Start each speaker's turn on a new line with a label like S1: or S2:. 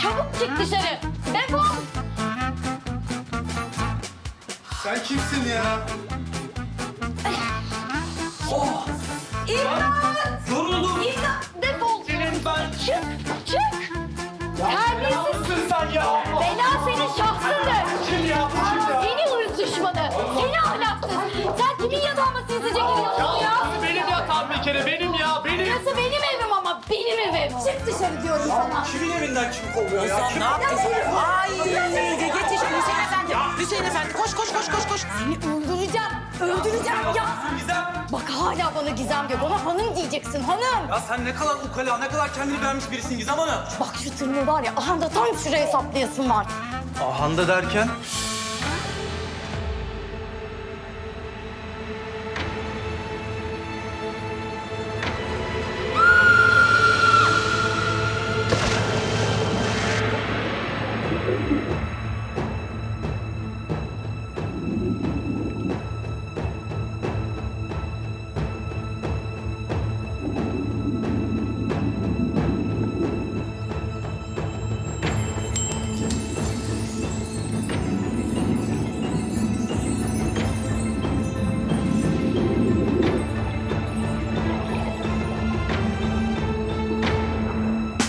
S1: Çabuk çık dışarı. Defol.
S2: Sen kimsin ya?
S1: İmdat!
S2: Yoruldum.
S1: İmdat! Defol.
S2: Senin ben...
S1: Çık, çık. Terbiyesiz.
S2: Mısın sen ya?
S1: Bela senin şahsındır.
S2: Kim ya? Bu kim ya?
S1: Seni ırz düşmanı. Seni ahlaksız. Sen kimin yatağıma sinsice giriyorsun ya?
S2: Benim yatağım bir kere, benim ya, benim.
S1: Burası benim evim ama benim evim. Çık dışarı diyorum sana.
S2: Kimin evinden kim kovuyor ya?
S3: Ozan ne yaptın? Ay yetişin Hüseyin Efendi. Hüseyin Efendi koş koş koş koş koş.
S1: Seni öldüreceğim. Öldüreceğim ya.
S2: Gizem.
S1: Bak hala bana Gizem diyor. Bana hanım diyeceksin hanım.
S2: Ya sen ne kadar ukala, ne kadar kendini beğenmiş birisin Gizem Hanım.
S1: Bak şu tırmığı var ya. Aha da tam şuraya saplayasın var.
S2: Ahanda derken?